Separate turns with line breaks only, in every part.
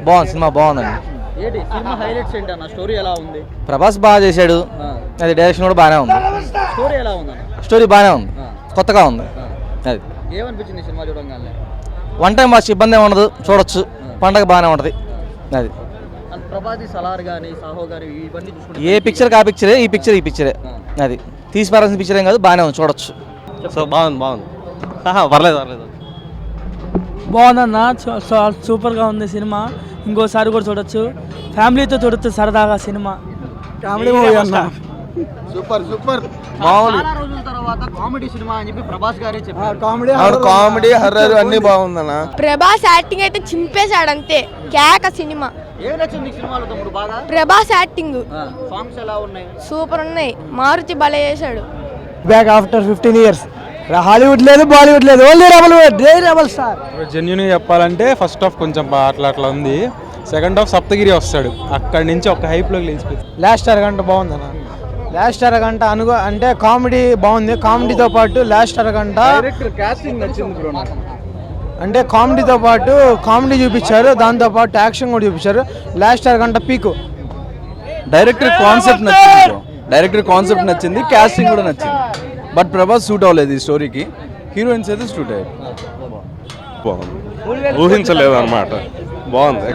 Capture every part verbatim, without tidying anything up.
బాగుంది, సినిమా బాగుందండి.
ఏంటి సినిమా హైలైట్స్ ఏంటి అన్న? స్టోరీ ఎలా ఉంది?
ప్రభాస్ బాగా చేశాడు, అది డైరెక్షన్ కూడా బాగానే ఉంది.
స్టోరీ ఎలా ఉంది అన్న?
స్టోరీ బాగానే ఉంది, కొత్తగా ఉంది. అది
ఏమనిపించింది సినిమా చూడగానే?
వన్ టైం వాచ్ ఇబ్బంది ఏమి ఉండదు, చూడొచ్చు, పండగ బాగానే ఉంటుంది. అది
ప్రభాస్ సలార్ కానీ సాహో కానీ ఇవన్నీ చూసుకుంటే
ఏ పిక్చర్ ఆ పిక్చరే, ఈ పిక్చర్ ఈ పిక్చరే. అది తీసి పారాల్సిన పిక్చర్ ఏం కాదు, బాగానే ఉంది, చూడొచ్చు.
సో బాగుంది బాగుంది పర్లేదు పర్లేదు
బాగుందన్న, సూపర్గా ఉంది సినిమా. ఇంకోసారి కూడా చూడొచ్చు, ఫ్యామిలీతో చూడొచ్చు సరదాగా సినిమా.
కామెడీ మూవీ అన్న,
సూపర్ సూపర్
చాలా రోజుల తర్వాత కామెడీ సినిమా అని చెప్పి ప్రభాస్ గారే చెప్పారు.
కామెడీ కామెడీ హర్రర్ అన్ని బాగుందన్న.
ప్రభాస్ యాక్టింగ్ అయితే చింపేశాడు అంతే, కేక సినిమా.
ఏం నచ్చింది సినిమాలో తమ్ముడు బాగా?
ప్రభాస్ యాక్టింగ్
సాంగ్స్ ఎలా ఉన్నాయి?
సూపర్ ఉన్నాయి, మారుతి భలే చేశాడు.
Back after fifteen years Hollywood లేదు, బాలీవుడ్ లేదు, ఓన్లీ రెబల్ రెబల్ స్టార్.
జెన్యున్గా చెప్పాలంటే ఫస్ట్ హాఫ్ కొంచెం అట్లా అట్లా ఉంది, సెకండ్ హాఫ్ సప్తగిరి వస్తాడు, అక్కడి నుంచి ఒక హైప్లోకి లేచిపోయింది.
లాస్ట్ అరగంట బాగుందన్న, లాస్ట్ అరగంట అనుకో అంటే కామెడీ బాగుంది. కామెడీతో పాటు లాస్ట్ అరగంట
కాస్టింగ్ నచ్చింది బ్రో నాకు.
అంటే కామెడీతో పాటు కామెడీ చూపించారు, దాంతో పాటు యాక్షన్ కూడా చూపించారు. లాస్ట్ అరగంట పీకు.
డైరెక్టర్ కాన్సెప్ట్ నచ్చింది బ్రో, డైరెక్టర్ కాన్సెప్ట్ నచ్చింది, కాస్టింగ్ కూడా నచ్చింది. బట్ ప్రభాస్ సూట్ అవ్వలేదు ఈ స్టోరీకి, హీరోయిన్స్ అయితే సూట్ అయ్యారు. బాగుంది, ఊహించలేదు అనమాట, బాగుంది.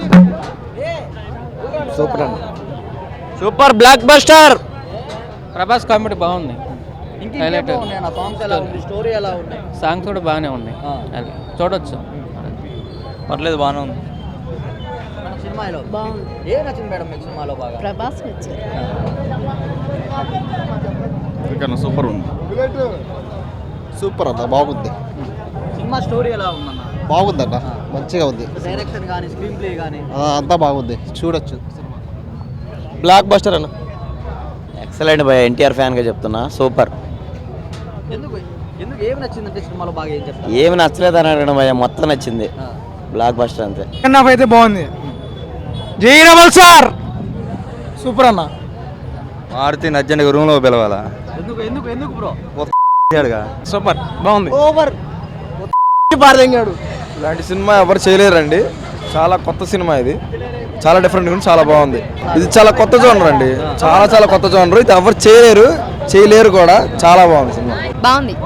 సూపర్ అన్న,
super blockbuster. Prabhas comedy బాగుంది,
హైలైట్ సాంగ్స్ ఎలా ఉంది? స్టోరీ ఎలా ఉన్నాయి?
సాంగ్స్ కూడా బాగానే ఉన్నాయి, అది చూడొచ్చు, పర్లేదు, బాగానే ఉంది.
సినిమాలో
బాగుంది.
ఏం నచ్చింది మేడం మీకు సినిమాలో బాగా?
ప్రభాస్ నచ్చాడు.
సూపర్ ఉంది, సూపర్ అన్న, బాగుంది.
సినిమా స్టోరీ ఎలా ఉందన్న?
బాగుందన్న, మంచిగా ఉంది.
డైరెక్షన్ కానీ స్క్రీన్ ప్లే కానీ
అంతా బాగుంది, చూడొచ్చు. బ్లాక్ బస్టర్ అన్న.
ఎక్సలెంట్ భయ, ఎన్టీఆర్ ఫ్యాన్గా చెప్తున్నా, సూపర్.
ఎందుకు ఎందుకు ఏం నచ్చిందంటే సినిమాలో బాగా ఏం చెప్తారు?
ఏమి నచ్చలేదు అని అడగడం భయ, మొత్తం నచ్చింది, బ్లాక్ బస్టర్ అంతే.
సెకండ్ హాఫ్ అయితే బాగుంది. జై రెబల్ సార్, సూపర్ అన్న.
మారుతి అర్జెంట్గా రూమ్లో పిలవాలా?
ఎందుకు ఎందుకు ఎందుకు బ్రో?
సూపర్ బాగుంది.
ఓవర్
పారదెంగాడు.
ఇలాంటి సినిమా ఎవరు చేయలేరండి, చాలా కొత్త సినిమా ఇది, చాలా డిఫరెంట్ ఉంది, చాలా బాగుంది. ఇది చాలా కొత్త జోనర్ అండి, చాలా చాలా కొత్త జోనర్, ఇది ఎవరు చేయలేరు చేయలేరు కూడా, చాలా బాగుంది సినిమా.
బాగుంది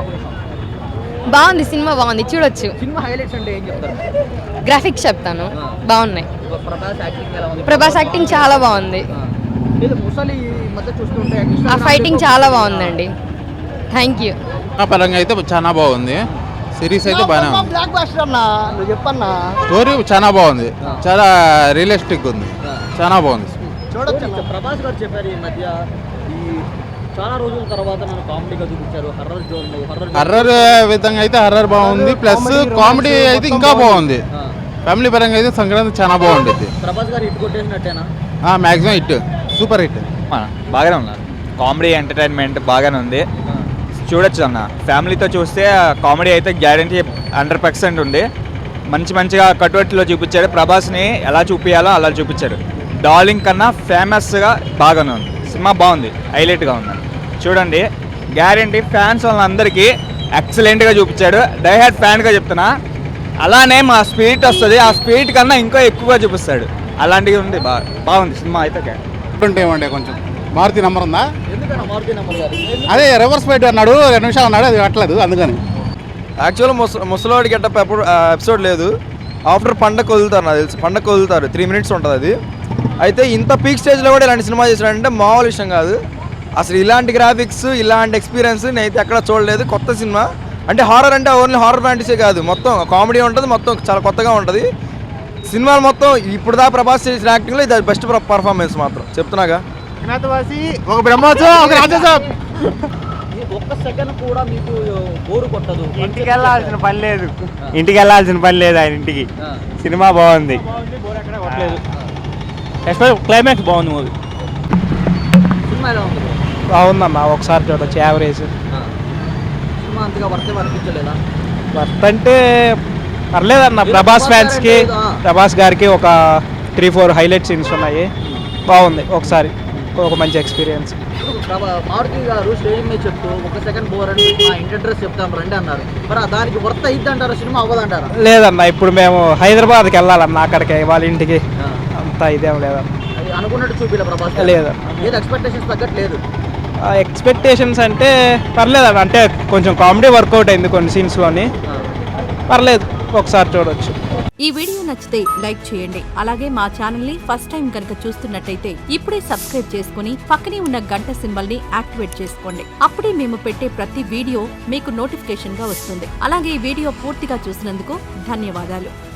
బాగుంది సినిమా బాగుంది, చూడొచ్చు.
సినిమా హైలైట్స్ అంటే ఏం చెప్తారు?
గ్రాఫిక్స్ చెప్తాను, బాగున్నాయి.
ప్రభాస్ యాక్టింగ్ ఎలా ఉంది?
ప్రభాస్ యాక్టింగ్ చాలా బాగుంది,
లేదు ముసలి ఈ మధ్య చూస్తుంటే
ఆ ఫైటింగ్ చాలా బాగుందండి. Thank you.
పరంగా అయితే చాలా బాగుంది, సిరీస్ అయితే బాగానే ఉంది.
బ్లాక్ బస్టర్ అన్న, నువ్వు చెప్పన్నా.
స్టోరీ చాలా బాగుంది, చాలా రియలిస్టిక్ ఉంది, చాలా బాగుంది.
చూడొచ్చు. ప్రభాస్ గారు చెప్పారు ఈ మధ్య, ఈ చాలా రోజుల తర్వాత నన్ను కామెడీగా చూపించారు, హర్రర్ జోన్ హర్రర్
హర్రర్ విధంగా అయితే హర్రర్ బాగుంది, ప్లస్ కామెడీ అయితే ఇంకా బాగుంది. ఫ్యామిలీ పరంగా అయితే సంక్రాంతి చాలా బాగుంటుంది.
ప్రభాస్ గారు హిట్ కొట్టేసినట్టేనా?
Maximum hit, super hit.
బాగానే ఉన్నారు, కామెడీ ఎంటర్టైన్మెంట్ బాగానే ఉంది, చూడొచ్చు అన్న. ఫ్యామిలీతో చూస్తే కామెడీ అయితే గ్యారంటీ హండ్రెడ్ పర్సెంట్ ఉంది. మంచి మంచిగా కట్టుబట్టులో చూపించాడు, ప్రభాస్ని ఎలా చూపించాలో అలా చూపించాడు. డార్లింగ్ కన్నా ఫేమస్గా బాగానే ఉంది సినిమా, బాగుంది, హైలైట్గా ఉంది, చూడండి. గ్యారంటీ ఫ్యాన్స్ వాళ్ళందరికీ ఎక్సలెంట్గా చూపించాడు. డైహార్డ్ ఫ్యాన్గా చెప్తున్నా, అలానే మా స్పిరిట్ వస్తుంది, ఆ స్పిరిట్ కన్నా ఇంకా ఎక్కువగా చూపిస్తాడు, అలాంటివి ఉంది. బాగా బాగుంది సినిమా అయితే.
ఏమంటే కొంచెం మారుతి నెంబర్ ఉందా?
ఎందుకన్నా మారుతి నెంబర్ గారు?
అదే రివర్స్ ఫైట్ అన్నాడు, రెండు నిమిషాలు అన్నాడు, అది కట్టలేదు అందుకని.
యాక్చువల్గా ముస ముసలివాడి గెటప్ ఎప్పుడు ఎపిసోడ్ లేదు, ఆఫ్టర్ పండగ వదులుతారు, నాకు తెలిసి పండగ వదులుతారు, త్రీ మినిట్స్ ఉంటుంది అది. అయితే ఇంత పీక్ స్టేజ్లో కూడా ఇలాంటి సినిమా చేసినాడంటే మామూలు విషయం కాదు. అసలు ఇలాంటి గ్రాఫిక్స్, ఇలాంటి ఎక్స్పీరియన్స్ నేనైతే ఎక్కడ చూడలేదు. కొత్త సినిమా అంటే హారర్ అంటే ఓన్లీ హారర్ ఫ్యాంటసీ కాదు, మొత్తం కామెడీ ఉంటుంది, మొత్తం చాలా కొత్తగా ఉంటుంది సినిమాలు మొత్తం. ఇప్పుడు దా ప్రభాస్ చేసిన యాక్టింగ్లో ఇది బెస్ట్ పర్ఫార్మెన్స్ మాత్రం చెప్తున్నాగా.
ఒక బ్రహ్మోత్సవం, ఒక రాజసభ.
ఒక్క సెకండ్ కూడా మీకు బోరు కొట్టదు?
ఇంటికి వెళ్ళాల్సిన పని లేదు, ఇంటికి వెళ్ళాల్సిన పని లేదు ఆయన ఇంటికి. సినిమా బాగుంది, క్లైమాక్స్ బాగుంది, మూవీ
సినిమా ఎలా ఉంది?
బాగుందమ్మా, ఒకసారి చూడొచ్చు, యావరేజ్.
సినిమా అంతగా వర్తే వర్తించలేదా?
వర్త్ అంటే పర్లేదన్న. ప్రభాస్ ఫ్యాన్స్కి, ప్రభాస్ గారికి ఒక త్రీ ఫోర్ హైలైట్ సీన్స్ ఉన్నాయి, బాగుంది, ఒకసారి ఒక మంచి ఎక్స్పీరియన్స్.
మారుతి గారు స్టేజ్ మీద చెప్తూ ఒక సెకండ్ బోర్ అని మా ఇంటి అడ్రస్ చెప్తాం రండి అన్నారు, మరి దానికి వర్త్ అయ్యిద్ది అంటారా? సినిమా అవ్వదంటారా?
లేదన్న, ఇప్పుడు మేము హైదరాబాద్కి వెళ్ళాలన్న, అక్కడికి వాళ్ళ ఇంటికి. అంత ఇదేం లేదన్న.
అది అనుకున్నట్టు చూపిలే ప్రభాస్ గారు.
లేదన్న.
ఏది ఎక్స్పెక్టేషన్స్ తగ్గట్లేదు.
ఎక్స్పెక్టేషన్స్ అంటే పర్లేదన్న, అంటే కొంచెం కామెడీ వర్కౌట్ అయింది కొన్ని సీన్స్లోని, పర్లేదు ఒకసారి చూడొచ్చు.
ఈ వీడియో నచ్చితే లైక్ చేయండి. అలాగే మా ఛానల్ ని ఫస్ట్ టైం కనుక చూస్తున్నట్టయితే ఇప్పుడే సబ్స్క్రైబ్ చేసుకుని పక్కనే ఉన్న గంట సింబల్ ని యాక్టివేట్ చేసుకోండి. అప్పుడే మేము పెట్టే ప్రతి వీడియో మీకు నోటిఫికేషన్ గా వస్తుంది. అలాగే ఈ వీడియో పూర్తిగా చూసినందుకు ధన్యవాదాలు.